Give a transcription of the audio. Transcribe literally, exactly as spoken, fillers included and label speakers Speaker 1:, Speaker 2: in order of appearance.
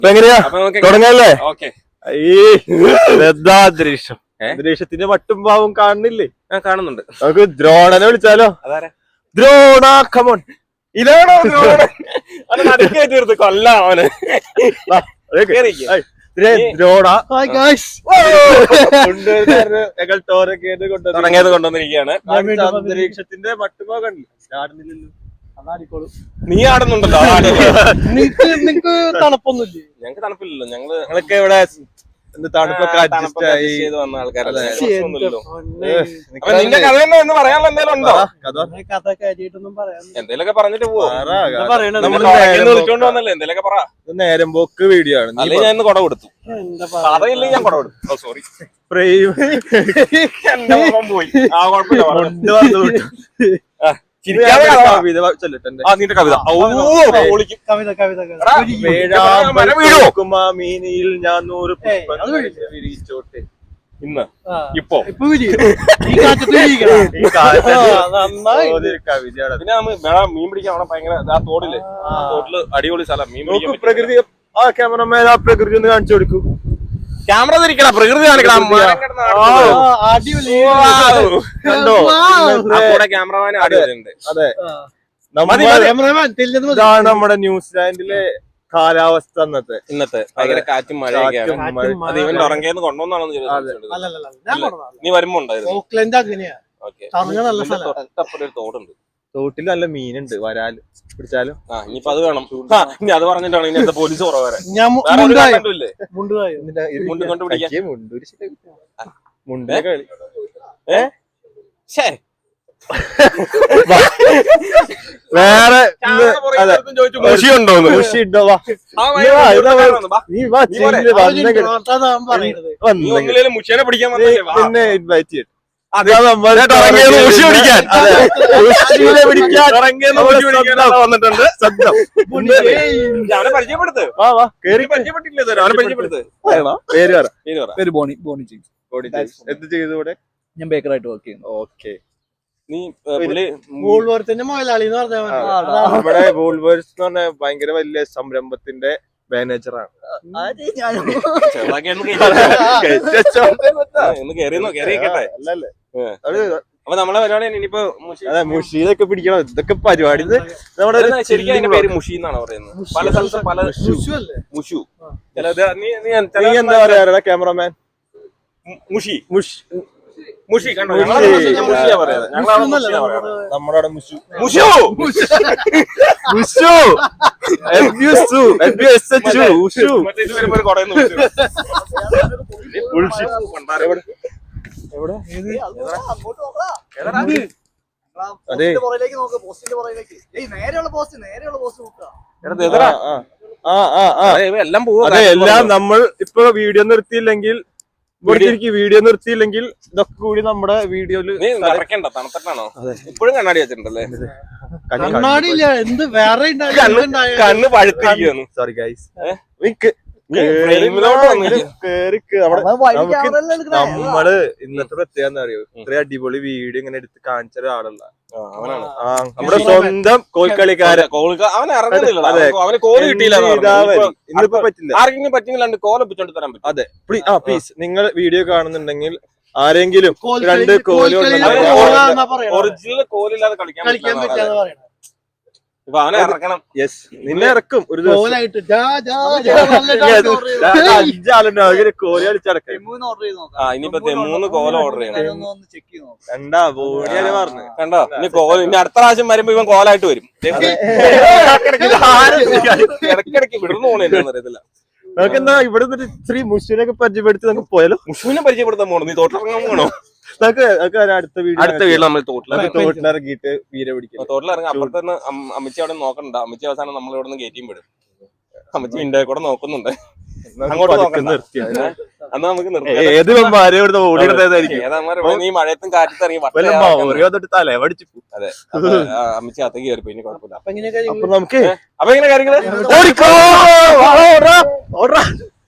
Speaker 1: എങ്ങനെയാ തുടങ്ങല്ലേ? അന്തരീക്ഷം അന്തരീക്ഷത്തിന്റെ മട്ടും ഭാവം കാണുന്നില്ലേ?
Speaker 2: കാണുന്നുണ്ട്.
Speaker 1: നമുക്ക് ദ്രോണനെ വിളിച്ചാലോ? ദ്രോണ കമോൺ. ഇതാണോ കൊല്ലാം അവന്.
Speaker 2: തുടങ്ങിയത് കൊണ്ടുവന്നിരിക്കുകയാണ്.
Speaker 1: അന്തരീക്ഷത്തിന്റെ മട്ടുഭാവം കണ്ടില്ല.
Speaker 2: നീ ആടുന്നുണ്ടല്ലോ.
Speaker 3: നിങ്ങക്ക് തണുപ്പൊന്നുമില്ലേ?
Speaker 2: ഞങ്ങക്ക് തണുപ്പില്ലല്ലോ. ഞങ്ങള്
Speaker 1: ഞങ്ങളൊക്കെ ഇവിടെ തണുപ്പൊക്കെ അഡ്ജസ്റ്റ്
Speaker 2: ചെയ്ത് വന്ന ആൾക്കാരല്ലേ. നിന്റെ കഥ തന്നെ എന്ന് പറയാനുള്ള എന്തെങ്കിലും ഉണ്ടോ?
Speaker 3: കഥ കാര്യമായിട്ടൊന്നും പറയാൻ
Speaker 2: എന്തേലൊക്കെ പറഞ്ഞിട്ട് പോവാ.
Speaker 1: വിളിച്ചോണ്ട് വന്നല്ലേ? എന്തേലൊക്കെ പറ. നേരം പോക്ക് വീഡിയോ ആണ്.
Speaker 2: അല്ലെങ്കിൽ ഞാൻ ഇന്ന് കുട കൊടുത്തു. കഥയില്ലെങ്കിൽ ഞാൻ കുട കൊടുത്തു. സോറി എന്റെ മുഖം പോയി. ആ കുഴപ്പമില്ല.
Speaker 1: മീനിയിൽ ഞാൻ നൂറ് വിരിച്ചോട്ടെ. ഇന്ന് ഇപ്പൊ കവിതയാണ്.
Speaker 2: പിന്നെ മീൻ പിടിക്കാൻ അവിടെ ഭയങ്കര ആ തോടില് തോട്ടില് അടിപൊളി സ്ഥലം. മീൻ പിടിക്കാൻ
Speaker 1: പ്രകൃതി. ആ ക്യാമറമാൻ ആ പ്രകൃതി ഒന്ന് കാണിച്ചു കൊടുക്കൂ.
Speaker 2: ക്യാമറ തിരിക്കണം, പ്രകൃതി കാണിക്കണം. ക്യാമറമാൻ അടിപൊളിയുണ്ട്.
Speaker 1: അതെ, ഇതാണ് നമ്മുടെ ന്യൂസിലാൻഡിലെ കാലാവസ്ഥ. അന്നത്തെ ഇന്നത്തെ
Speaker 2: ഭയങ്കര കാറ്റും മഴയൊക്കെയാണ്. അത് ഇവന്റ് ഉറങ്ങിയെന്ന് കൊണ്ടുവന്നാണെന്ന് നീ വരുമ്പോ ഉണ്ടായിരുന്നു. തൊട്ടപ്പുറം തോടുണ്ട്.
Speaker 1: തോട്ടിൽ നല്ല മീനുണ്ട്. വരാല് പിടിച്ചാലും
Speaker 2: ആ ഇനിയിപ്പോ അത് വേണം. ഇനി അത് പറഞ്ഞിട്ടാണ് ഇനി പോലീസ് കുറവ് വരാൻ. മുണ്ട് കൊണ്ട് പിടിക്കാൻ
Speaker 1: മുണ്ട് കളി. വേറെ
Speaker 2: മുഷി ഉണ്ടോന്ന്?
Speaker 1: മുഷി ഉണ്ടോ?
Speaker 2: മുഷിനെ പിടിക്കാൻ
Speaker 1: പിന്നെ ഇൻവൈറ്റ് ചെയ്യും.
Speaker 2: വന്നിട്ടുണ്ട്. പരിചയപ്പെടുത്ത്. പരിചയപ്പെട്ടില്ല.
Speaker 1: പേര് പറ.
Speaker 3: പേര് ബോണി ബോണി ജെയിംസ്.
Speaker 1: എന്ത് ചെയ്തു ഇവിടെ?
Speaker 3: ഞാൻ ബേക്കറായിട്ട് വർക്ക് ചെയ്യുന്നു.
Speaker 1: ഓക്കെ.
Speaker 2: നീ
Speaker 3: വൂൾവർത്തിന്റെ മുതലാളി എന്ന് പറഞ്ഞാൽ
Speaker 1: ഇവിടെ വൂൾവേഴ്സ് എന്ന് പറഞ്ഞ ഭയങ്കര വലിയ സംരംഭത്തിന്റെ മാനേജറാണ്.
Speaker 2: അപ്പൊ നമ്മളെ പരിപാടി ഇനിയിപ്പോ
Speaker 1: മുഷീതൊക്കെ പിടിക്കണം. ഇതൊക്കെ പരിപാടി നമ്മുടെ
Speaker 2: പേര് മുഷി എന്നാണ് പറയുന്നത്. പല സ്ഥലത്തും പല മുഷു.
Speaker 1: നീ എന്താ പറയാ ക്യാമറമാൻ?
Speaker 2: മുഷി
Speaker 1: മുഷ്
Speaker 2: മുഷി കണ്ടോ?
Speaker 1: നമ്മുടെ മുഷു
Speaker 2: മുഷു
Speaker 1: മുഷു എല്ലാം നമ്മൾ ഇപ്പൊ വീഡിയോ നിർത്തിയില്ലെങ്കിൽ വീഡിയോ നിർത്തിയില്ലെങ്കിൽ ഇതൊക്കെ കൂടി നമ്മുടെ വീഡിയോയില്
Speaker 2: നടക്കണ്ട. തണുത്തിട്ടാണോ? ഇപ്പോഴും കണ്ണാടി വെച്ചിട്ടുണ്ടല്ലേ?
Speaker 3: കണ്ണാടിയില്ല, എന്ത് വേറെ
Speaker 2: കണ്ണ് പഴുത്തിരിക്കുന്നു.
Speaker 1: Sorry guys. നമ്മള് ഇന്നത്തെ പ്രത്യേകത എന്താ അറിയോ? ഇത്ര അടിപൊളി വീഡിയോ ഇങ്ങനെ എടുത്ത് കാണിച്ച ഒരാളല്ല. നമ്മുടെ സ്വന്തം കോൽക്കളിക്കാരൻ.
Speaker 2: അവനെ ഇറങ്ങുന്നില്ല. അവന് കോല് കിട്ടിയില്ല.
Speaker 1: ഇന്നിപ്പോ പറ്റില്ല.
Speaker 2: ആർക്കെങ്കിലും പറ്റില്ല കോല പിച്ചോണ്ട് തരാൻ പറ്റും.
Speaker 1: അതെ, ആ പ്ലീസ് നിങ്ങൾ വീഡിയോ കാണുന്നുണ്ടെങ്കിൽ ആരെങ്കിലും രണ്ട് കോല്
Speaker 2: ഒറിജിനൽ കോലില്ലാതെ കളിക്കാൻ പറ്റില്ല. ഇപ്പൊ അവനെ ഇറക്കണം.
Speaker 1: യെസ്, നിന്നെ ഇറക്കും ഒരു ദിവസം.
Speaker 3: കോല്
Speaker 1: കളിച്ചടക്കാം.
Speaker 2: ആ ഇനിയിപ്പോ മൂന്ന് കോല ഓർഡർ ചെയ്യണം.
Speaker 1: കണ്ടാ ബോഡിയാണ് പറഞ്ഞത്.
Speaker 2: കണ്ടോ? ഇനി കോല ഇനി അടുത്ത പ്രാവശ്യം വരുമ്പോ ഇവൻ കോലായിട്ട് വരും. ഇടയ്ക്കിടയ്ക്ക് വിടുന്നു പോണെന്ന് അറിയത്തില്ല.
Speaker 1: നമുക്ക് എന്താ ഇവിടെ ശ്രീ മുഷുവിനൊക്കെ പരിചയപ്പെടുത്തി നമുക്ക് പോയാലോ?
Speaker 2: മുഷുവിനെ പരിചയപ്പെടുത്താൻ പോണോ? നീ തോട്ടിലിറങ്ങാൻ പോകണോ?
Speaker 1: അടുത്ത വീട്
Speaker 2: അടുത്ത വീട്ടിൽ നമ്മൾ
Speaker 1: തോട്ടിലിറങ്ങിയിട്ട് വീര പിടിക്കും.
Speaker 2: തോട്ടിലിറങ്ങി അപ്പുറത്ത് നിന്ന് അമ്മച്ചി അവിടെ നോക്കണ്ട. അമ്മച്ചി അവസാനം നമ്മൾ ഇവിടെ നിന്ന് കയറ്റിയും വിടും. അമ്മച്ചി ഇന്ത്യ കൂടെ നോക്കുന്നുണ്ട്. അങ്ങോട്ട് അന്ന് നമുക്ക് ഈ മഴയത്തും കാറ്റത്ത് ഇറങ്ങി
Speaker 1: തലവടിച്ചു.
Speaker 2: അതെ, അമ്മച്ചി അത്തേക്ക് കയറിപ്പോ. ഇനി കുഴപ്പമില്ല.
Speaker 1: അപ്പൊ നമുക്ക്
Speaker 2: അപ്പൊ എങ്ങനെ കാര്യങ്ങള്